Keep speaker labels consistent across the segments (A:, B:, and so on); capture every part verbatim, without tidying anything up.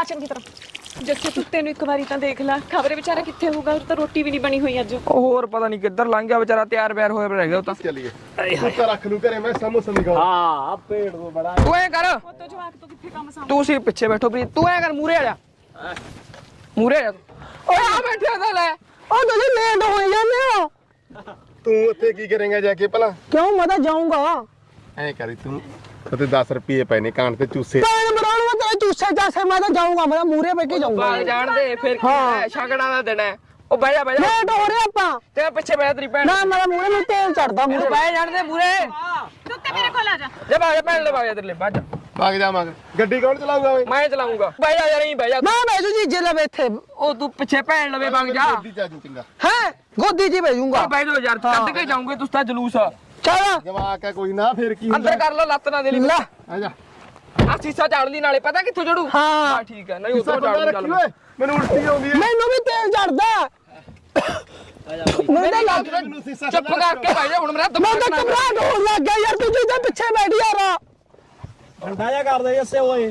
A: ਚੰਗੀ ਤਰ੍ਹਾਂ। ਜੱਸੇ ਤੂੰ ਤੈਨੂੰ ਇੱਕ ਵਾਰੀ ਤਾਂ ਦੇਖ ਲੈ, ਖਬਰੇ ਵਿਚਾਰਾ ਕਿੱਥੇ ਹੋਊਗਾ, ਉਹ ਤਾਂ ਰੋਟੀ ਵੀ ਨਹੀਂ ਬਣੀ ਹੋਈ ਅੱਜ।
B: ਉਹ ਹੋਰ ਪਤਾ ਨਹੀਂ ਕਿੱਧਰ ਲੰਘ ਗਿਆ ਵਿਚਾਰਾ, ਤਿਆਰ ਬਿਆਰ ਹੋਇਆ ਰਹਿ ਗਿਆ ਉਹ ਤਾਂ।
C: ਚੱਲੀਏ ਤੂੰ ਤਾਂ ਰੱਖ ਲੂ ਘਰੇ, ਮੈਂ ਸਮੋਸਾ ਨਹੀਂ ਖਾਣਾ।
D: ਹਾਂ ਪੇੜ ਤੋਂ ਬੜਾ
B: ਤੂੰ ਐ ਕਰ,
A: ਉਹ ਤਾਂ ਜਵਾਕ ਤੋਂ ਕਿੱਥੇ ਕੰਮ ਸਾਂਭ।
B: ਤੂੰ ਸੀ ਪਿੱਛੇ ਬੈਠੋ ਪ੍ਰੀਤ, ਤੂੰ ਐ ਕਰ ਮੂਰੇ ਆ ਜਾ, ਮੂਰੇ ਆ ਜਾ ਤੂੰ। ਓਏ ਆ ਬੈਠਿਆ ਤਾਂ ਲੈ, ਉਹ ਤੁਸੀਂ ਲੇਟ ਹੋ ਜਾਂਦੇ ਹੋ।
C: ਤੂੰ ਉੱਥੇ ਕੀ ਕਰੇਂਗਾ ਜਾ ਕੇ ਭਲਾ?
B: ਕਿਉਂ ਮੈਂ ਤਾਂ ਜਾਊਂਗਾ।
C: ਐ ਕਰੀ ਤੂੰ ਤੇ ਦਸ ਰੁਪਏ ਪਏ ਨੇ ਕਾਨ ਤੇ ਚੂਸੇ।
B: ਕਾਨ ਮਰਾਉਣ ਮੈਂ ਤੇਰੇ ਚੂਸੇ ਚਾਸੇ ਮੈਂ ਤਾਂ ਜਾਊਂਗਾ, ਮੈਂ ਤਾਂ ਮੂਰੇ ਬੈ ਕੇ ਜਾਊਂਗਾ। ਬਾਗ ਜਾਣ ਦੇ ਫਿਰ ਕੀ ਹੈ, ਛਗੜਾ ਦਾ ਦਿਨ ਹੈ। ਉਹ ਬਹਿ ਜਾ ਬਹਿ ਜਾ, ਲੇਟ ਹੋ ਰਹੇ ਆਪਾਂ। ਤੇ ਪਿੱਛੇ ਬਹਿ ਤੇਰੀ ਭੈਣ। ਨਾ ਮੇਰਾ ਮੂਰੇ ਨੂੰ ਤੇਲ ਚੜਦਾ, ਮੂਰੇ ਬਹਿ ਜਾਣ ਦੇ ਮੂਰੇ।
A: ਤੂੰ ਤੇ ਮੇਰੇ ਕੋਲ ਆ ਜਾ।
B: ਜਾ ਬਾਗ ਜਾ ਭੈਣ ਲੈ, ਬਾਗ ਜਾ ਤੇਰੇ ਲੈ, ਬਾਜ
C: ਭਾਗ ਜਾਵਾਂਗਾ। ਗੱਡੀ ਕੌਣ ਚਲਾਊਗਾ ਓਏ?
B: ਮੈਂ ਚਲਾਉਂਗਾ। ਬਹਿ ਜਾ ਯਾਰ, ਨਹੀਂ ਬਹਿ ਜਾ। ਮੈਂ ਬਹਿ ਜੂ ਜੀ ਜੇ ਲਵੇ ਇੱਥੇ, ਉਹ ਤੂੰ ਪਿੱਛੇ ਭੈਣ ਲਵੇ ਵਗ ਜਾ।
C: ਗੱਡੀ ਚ ਆ ਜੂ ਚੰਗਾ
B: ਹੈ ਗੋਦੀ ਜੀ ਭੇਜੂਗਾ। ਬਹਿ ਜਾ ਯਾਰ, ਕੱਢ ਕੇ ਜਾਉਂਗੇ ਤੁਸੀਂ ਤਾਂ ਜਲੂਸ। ਚੱਲ
C: ਜਵਾਕ ਹੈ ਕੋਈ ਨਾ, ਫਿਰ ਕੀ
B: ਅੰਦਰ ਕਰ ਲੋ, ਲੱਤ ਨਾ ਦੇ ਲਈ। ਲੈ
C: ਆ ਜਾ,
B: ਆ ਸੀਸਾ ਝਾੜ ਲਈ, ਨਾਲੇ ਪਤਾ ਕਿੱਥੋਂ ਜੜੂ। ਹਾਂ ਠੀਕ ਹੈ, ਨਹੀਂ ਉਧਰੋਂ ਝਾੜ ਲਈ। ਚੱਲ
C: ਮੈਨੂੰ ਉਲਟੀ ਆਉਂਦੀ ਹੈ।
B: ਮੈਨੂੰ ਵੀ ਤੇਲ ਚੜਦਾ। ਮੇਰੇ ਲੱਗ ਚੁੱਪ ਕਰਕੇ ਬਹਿ ਜਾ ਹੁਣ, ਮੇਰਾ ਦਿਮਾਗ ਨਾ ਘਬਰਾਹਟ ਹੋਣ ਲੱਗ ਗਿਆ ਯਾਰ, ਤੂੰ ਜਿੱਦਾਂ ਪਿੱਛੇ ਬੈਠ ਯਾਰ।
D: ਠੰਡਾ ਜਾ ਕਰਦੇ ਜੱਸੇ ਓਏ।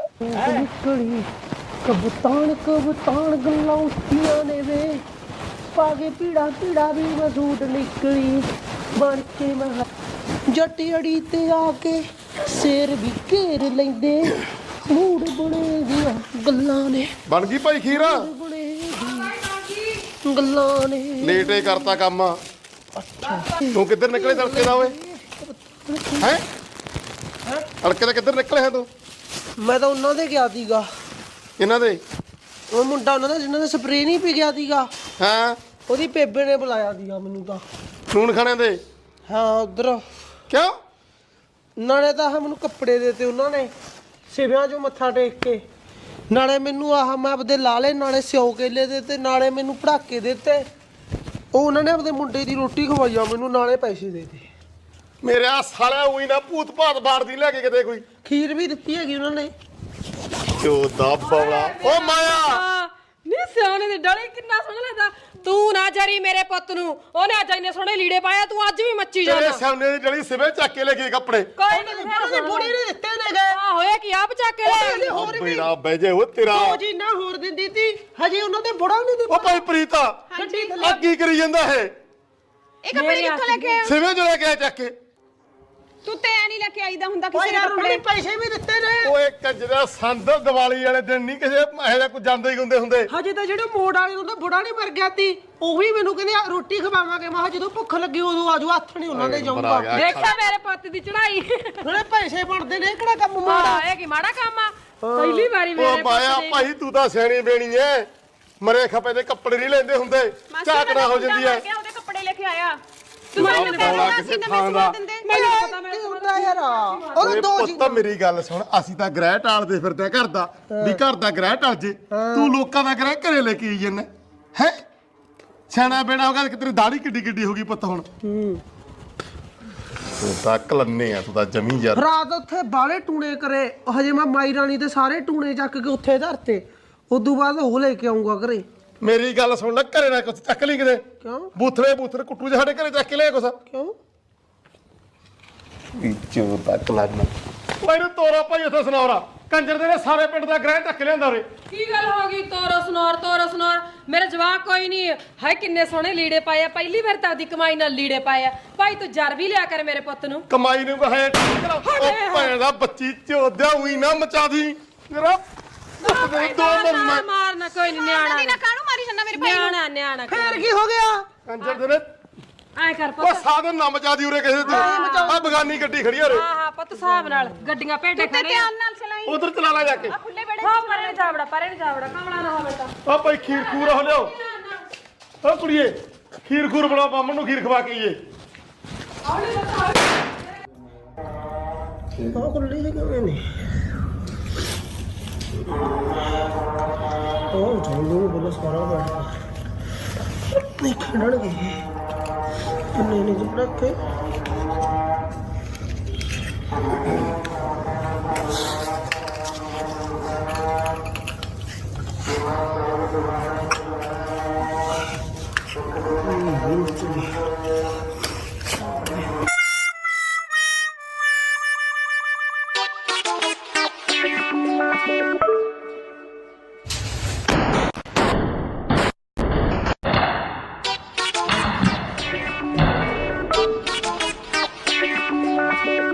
E: ਨਿਕਲੀ ਕਬੂਤਾਨ ਕਬੂਤਾਨ ਗੱਲਾਂ ਉੱਠੀਆਂ ਨੇ ਵੇ, ਪਾਗੇ ਪੀੜਾ ਪੀੜਾ ਵੀ ਮਸੂਟ ਨਿਕਲੀ ਬਣ ਕੇ ਮੈਂ ਜੱਟ ਅੜੀ ਤੇ ਆ ਕੇ ਸਿਰ ਵੀ ਘੇਰ ਲੈਂਦੇ, ਮੂੜ ਬਣੇ ਦੀਆਂ ਗੱਲਾਂ ਨੇ।
C: ਬਣ ਗਈ ਭਾਈ ਖੀਰ?
E: ਬਣੇ ਦੀਆਂ ਗੱਲਾਂ ਨੇ।
C: ਲੇਟੇ ਕਰਤਾ ਕੰਮ। ਤੂੰ ਕਿੱਧਰ ਨਿਕਲੇ ਤੜਕੇ ਦਾ ਓਏ? ਹੈ ਤੜਕੇ ਦਾ ਕਿੱਧਰ ਨਿਕਲੇ ਹੈ ਤੂੰ?
E: ਮੈਂ ਤਾਂ ਉਹਨਾਂ ਦੇ ਗਿਆ ਸੀਗਾ,
C: ਇਹਨਾਂ ਦੇ।
E: ਉਹ ਮੁੰਡਾ ਉਹਨਾਂ ਦਾ ਜਿਹਨਾਂ ਨੇ ਸਪਰੇਅ ਨਹੀਂ ਪੀ ਗਿਆ ਸੀਗਾ,
C: ਹਾਂ
E: ਉਹਦੀ ਬੇਬੇ ਨੇ ਬੁਲਾਇਆ ਸੀਗਾ ਮੈਨੂੰ ਤਾਂ।
C: ਨੂਨ ਖਾਣੇ ਦੇ?
E: ਹਾਂ ਉਧਰ।
C: ਕਿਉਂ?
E: ਨਾਲੇ ਤਾਂ ਆਹ ਮੈਨੂੰ ਕੱਪੜੇ ਦੇਤੇ ਉਹਨਾਂ ਨੇ ਸਿਵਿਆਂ 'ਚੋਂ ਮੱਥਾ ਟੇਕ ਕੇ, ਨਾਲੇ ਮੈਨੂੰ ਆਹ ਮੈਂ ਆਪਦੇ ਲਾਲੇ, ਨਾਲੇ ਸਿਓ ਕੇਲੇ ਦੇਤੇ, ਨਾਲੇ ਮੈਨੂੰ ਪੜਾਕੇ ਦਿੱਤੇ। ਉਹ ਉਹਨਾਂ ਨੇ ਆਪਦੇ ਮੁੰਡੇ ਦੀ ਰੋਟੀ ਖਵਾਈ ਆ ਮੈਨੂੰ, ਨਾਲੇ ਪੈਸੇ ਦੇਤੇ।
C: ਮੇਰੇ ਆ ਸਾਲਿਆ ਉਹੀ ਨਾ ਭੂਤ ਭਾਤ ਬਾੜਦੀ ਲੈ ਕੇ ਕਿਤੇ ਕੋਈ।
E: ਖੀਰ ਵੀ ਦਿੱਤੀ ਹੈਗੀ ਉਹਨਾਂ ਨੇ।
C: ਚੋਦਾ ਬਵਲਾ ਓ ਮਾਇਆ।
F: ਨੀ ਸਿਆਣੇ ਦੇ ਡਲੇ ਕਿੰਨਾ ਸੋਹਣਾ ਲੱਗਦਾ। ਤੂੰ ਨਾ ਜਰੀ ਮੇਰੇ ਪੁੱਤ ਨੂੰ, ਉਹਨੇ ਅੱਜ ਇੰਨੇ ਸੋਹਣੇ ਲੀੜੇ ਪਾਇਆ, ਤੂੰ ਅੱਜ ਵੀ ਮੱਚੀ
C: ਤੇਰੇ
F: ਜਾਣਾ।
C: ਸਾਹਮਣੇ ਦੀ ਜਲੀ ਸਿਵੇ ਚੱਕ ਕੇ ਲੈ ਗਏ ਕੱਪੜੇ।
F: ਕੋਈ ਨਹੀਂ
E: ਉਹਨੇ ਬੁੜੀ ਨੇ ਦਿੱਤੇ ਨੇ ਗਏ।
F: ਆ ਹੋਇਆ ਕੀ ਆਪ ਚੱਕ ਕੇ ਲੈ।
C: ਓ ਬੇੜਾ ਬਹਿ ਜੇ ਉਹ ਤੇਰਾ।
E: ਉਹ ਜੀ ਨਾ ਹੋਰ ਦਿੰਦੀ ਤੀ, ਹਜੇ ਉਹਨਾਂ ਦੇ ਬੁੜਾ ਨਹੀਂ
C: ਓ ਭਾਈ ਪ੍ਰੀਤਾ
E: ਗੱਡੀ
C: ਆ ਕੀ ਕਰੀ ਜਾਂਦਾ ਇਹ?
A: ਇਹ ਕੱਪੜੇ ਕਿੱਥੋਂ ਲੈ ਕੇ ਆਇਆ?
C: ਸਿਵੇ ਜੋ ਲੈ ਕੇ ਆ ਚੱਕ ਕੇ।
A: ਤੂੰ ਤੇ ਐ ਨਹੀਂ ਲੈ ਕੇ ਆਈਦਾ ਹੁੰਦਾ ਕਿਸੇ
E: ਓਏ
A: ਦੇ
E: ਯਾਰ
A: ਕੱਪੜੇ।
E: ਉਹਨੇ ਪੈਸੇ ਵੀ ਦਿੱਤੇ ਨੇ।
C: ਓਏ ਕੰਜਰਾ ਸੰਦ ਦੀਵਾਲੀ ਵਾਲੇ ਦਿਨ ਨਹੀਂ ਕਿਸੇ ਇਹੋ ਜਿਹਾ ਕੋਈ ਜਾਂਦੇ ਹੀ ਹੁੰਦੇ ਹੁੰਦੇ।
E: ਹਜੇ ਤਾਂ ਜਿਹੜੇ ਮੋੜ ਵਾਲੇ ਉਹਦਾ ਬੁੜਾ ਨਹੀਂ ਮਰ ਗਿਆ ਤੀ, ਉਹ ਵੀ ਮੈਨੂੰ ਕਹਿੰਦੇ ਆ ਰੋਟੀ ਖਵਾਵਾਂਗੇ। ਮੈਂ ਕਿਹਾ ਜਦੋਂ ਭੁੱਖ ਲੱਗੀ ਉਦੋਂ ਆਜੋ, ਹੱਥ ਨਹੀਂ ਉਹਨਾਂ ਦੇ ਜਾਊਗਾ।
F: ਦੇਖਿਆ ਮੇਰੇ ਪੁੱਤ ਦੀ ਚੜਾਈ।
E: ਨਾਲੇ ਪੈਸੇ ਬਣਦੇ ਨੇ, ਕਿਹੜਾ ਕੰਮ ਮਾੜਾ।
F: ਹਾਂ ਇਹ ਕੀ ਮਾੜਾ ਕੰਮ ਆ। ਪਹਿਲੀ ਵਾਰੀ
C: ਓ
F: ਮੇਰੇ
C: ਬਾਇਆ
F: ਪੁੱਤ ਦੀ।
C: ਭਾਈ ਤੂੰ ਤਾਂ ਸਿਆਣੀ ਬੇਣੀ ਐ, ਮਰੇ ਖਪੇ ਦੇ ਕੱਪੜੇ ਨਹੀਂ ਲੈਂਦੇ ਹੁੰਦੇ, ਝਾਕੜਾ ਹੋ ਜਾਂਦੀ ਐ।
A: ਉਹਦੇ ਕੱਪੜੇ ਲੈ ਕੇ ਆਇਆ।
C: ਤੂੰ ਮੈਨੂੰ ਬੋਲਾ ਕਿਸੇ ਥਾਂ ਦਾ।
E: ਮੈਨੂੰ ਪਤਾ ਮੈਂ ਹੁੰਦਾ ਯਾਰ ਉਹ ਦੋ ਜੀ।
C: ਪੁੱਤ ਮੇਰੀ ਗੱਲ ਸੁਣ, ਅਸੀਂ ਤਾਂ ਗ੍ਰਹਿ ਟਾਲਦੇ ਫਿਰਦੇ ਆ ਘਰ ਦਾ, ਵੀ ਘਰ ਦਾ ਗ੍ਰਹਿ ਟਲ ਜੇ। ਤੂੰ ਲੋਕਾਂ ਦਾ ਗ੍ਰਹਿ ਘਰੇ ਲੈ ਕੇ ਆਈ ਜੰਨੇ ਹੈ। ਸਿਆਣਾ ਬੇੜਾ ਹੋ ਗਿਆ ਕਿ ਤੇਰੀ ਦਾੜੀ ਕਿੱਡੀ ਕਿੱਡੀ ਹੋ ਗਈ ਪੁੱਤ ਹੁਣ। ਹੂੰ ਤੂੰ ਤਾਂ ਕਲੰਨੇ ਆ, ਤੂੰ ਤਾਂ ਜਮੀ ਯਾਰ।
E: ਰਾਤ ਉੱਥੇ ਬਾਲੇ ਟੂਣੇ ਕਰੇ, ਹਜੇ ਮੈਂ ਮਾਈ ਰਾਣੀ ਦੇ ਸਾਰੇ ਟੂਣੇ ਚੱਕ ਕੇ ਉੱਥੇ ਧਰਤੇ। ਉਦੋਂ ਬਾਅਦ ਉਹ ਲੈ ਕੇ ਆਉਂਗਾ ਘਰੇ।
C: ਮੇਰੀ ਗੱਲ ਸੁਣ ਲੈ, ਘਰੇ ਨਾ ਕੁਛ ਚੱਕ ਲਈ ਕਿਤੇ।
E: ਕਿਉਂ?
C: ਬੂਥਲੇ ਬੂਥਲੇ ਕੁੱਟੂ ਜਿਹੇ ਸਾਡੇ ਘਰੇ ਚੱਕ ਕੇ ਲਿਆ ਕੁਛ।
E: ਕਿਉਂ?
C: ਵਿੱਚੋਂ ਤੱਕ ਲੱਗਣਾ ਮੈਨੂੰ ਤੋਰਾ ਭਾਈ ਉੱਥੇ ਸੁਣਾਉਰਾ ਕੰਜਰ ਦੇ ਨੇ ਸਾਰੇ ਪਿੰਡ ਦਾ ਗ੍ਰਹਿ ਚੱਕ ਲਿਆਂਦਾ ਉਰੇ।
F: ਕੀ ਗੱਲ ਹੋ ਗਈ? ਤੋਰੋ ਸੁਨਾਰ ਤੋਰੋ ਸੁਨਾਰ। ਮੇਰੇ ਜਵਾਕ ਕੋਈ ਨਹੀਂ ਹੈ, ਕਿੰਨੇ ਸੋਹਣੇ ਲੀੜੇ ਪਾਏ ਆ। ਪਹਿਲੀ ਵਾਰ ਤਾਂ ਦੀ ਕਮਾਈ ਨਾਲ ਲੀੜੇ ਪਾਏ ਆ। ਭਾਈ ਤੂੰ ਜਰ ਵੀ ਲਿਆ ਕਰ ਮੇਰੇ ਪੁੱਤ ਨੂੰ।
C: ਕਮਾਈ ਨੂੰ ਕਹੇ ਉਹ ਭੈਣ ਦਾ ਬੱਚੀ ਚੋਦਿਆ ਹੋਈ ਨਾ ਮਚਾ ਦੀ ਮੇਰਾ ਦੋ ਮਰੂ ਮੈਂ।
F: ਮਾਰਨਾ ਕੋਈ ਨਹੀਂ, ਨਿਆਣਾ
A: ਨਾ ਕਾਹਨੂੰ ਮਾਰੀ ਜਾਂਦਾ ਮੇਰੇ ਭਾਈ ਨੂੰ?
F: ਨਿਆਣਾ ਨਿਆਣਾ
E: ਫੇਰ ਕੀ ਹੋ ਗਿਆ?
C: ਕੰਜਰ ਦੇ ਨੇ
F: ਐ ਕਰ
C: ਉਹ
F: ਪੁੱਤ।
C: ਸਾਧਨ ਨਾ ਮਚਾ ਦੀ ਉਰੇ ਕਿਸੇ ਤੂੰ। ਆ ਬਗਾਨੀ ਗੱਡੀ ਖੜੀ ਆ ਉਰੇ।
F: ਹਾਂ ਹਾਂ ਪੁੱਤ, ਹਿਸਾਬ ਨਾਲ ਗੱਡੀਆਂ ਭੇਡੇ
A: ਤੇ
F: ਖੜੇ
A: ਧਿਆਨ ਨਾਲ ਚਲਾਈ।
C: ਉਧਰ ਚਲਾ ਲੈ ਜਾ ਕੇ।
A: ਆ ਖੁੱਲੇ ਬੜੇ
F: ਹਾਂ ਪਰੇ ਨੂੰ ਜਾਵੜਾ, ਪਰੇ ਨੂੰ ਜਾਵੜਾ, ਕਮਲਾ ਨਾ ਹੋਵੇ ਤਾਂ।
C: ਆ ਭਾਈ ਖੀਰ ਖੂਰ ਹੋ ਲਿਓ। ਓ ਕੁੜੀਏ ਖੀਰ ਖੂਰ ਬਣਾ, ਬਾਮਣ ਨੂੰ ਖੀਰ ਖਵਾ ਕੇ ਆਈਏ।
E: ਉਹ ਕੁੱਲੀ ਜਿਹੀ ਕਿਵੇਂ ਨੇ? ਉਹ ਜੋਲੂ ਬੋਲ ਸਾਰਾ ਬੈਠਾ ਨਹੀਂ ਖੜਨਗੇ। ਕਿੰਨੇ ਨੇ ਜਿੱਡਾ ਕੇ